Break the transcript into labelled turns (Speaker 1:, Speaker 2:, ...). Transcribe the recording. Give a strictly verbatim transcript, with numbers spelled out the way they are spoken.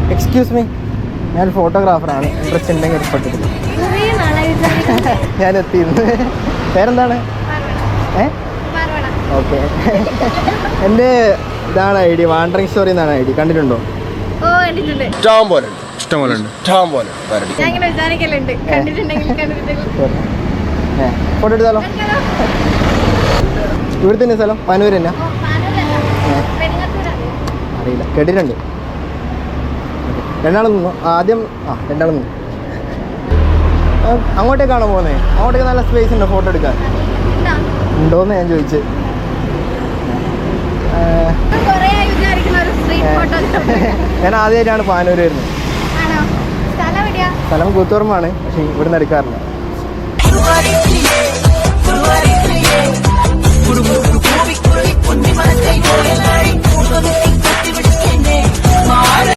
Speaker 1: Excuse me, ഞാൻ ഫോട്ടോഗ്രാഫറാണ്. Interest ഉണ്ടെങ്കിൽ ഇഷ്ടപ്പെട്ടില്ല. ഞാൻ എത്തിയിരുന്നു. പേരെന്താണ്? ഏ ഓക്കെ. എൻ്റെ ഇതാണ് ഐ ഡി, വാണ്ടറിങ് സ്റ്റോറി എന്നാണ് ഐ ഡി. കണ്ടിട്ടുണ്ടോ?
Speaker 2: ഇഷ്ടം പോലെ ഇഷ്ടം പോലെ ഉണ്ട് ഇഷ്ടം പോലെ
Speaker 1: ഫോട്ടോ എടുത്താലോ? ഇവിടെ തന്നെ സ്ഥലം? പാനൂർ തന്നെ? അറിയില്ല, കേട്ടിട്ടുണ്ട്. രണ്ടാളും നിന്നു ആദ്യം. ആ രണ്ടാളും നിന്നു. അങ്ങോട്ടേക്കാണോ പോകുന്നത്? അങ്ങോട്ടേക്ക് നല്ല സ്പേസ് ഉണ്ടോ ഫോട്ടോ എടുക്കാൻ? ഉണ്ടോയെന്ന് ഞാൻ ചോദിച്ചു. ഞാൻ ആദ്യമായിട്ടാണ് പാനൂർ വരുന്നത്. സ്ഥലം കൂത്തുപറമ്പാണ്, പക്ഷെ ഇവിടുന്ന് എടുക്കാറില്ല.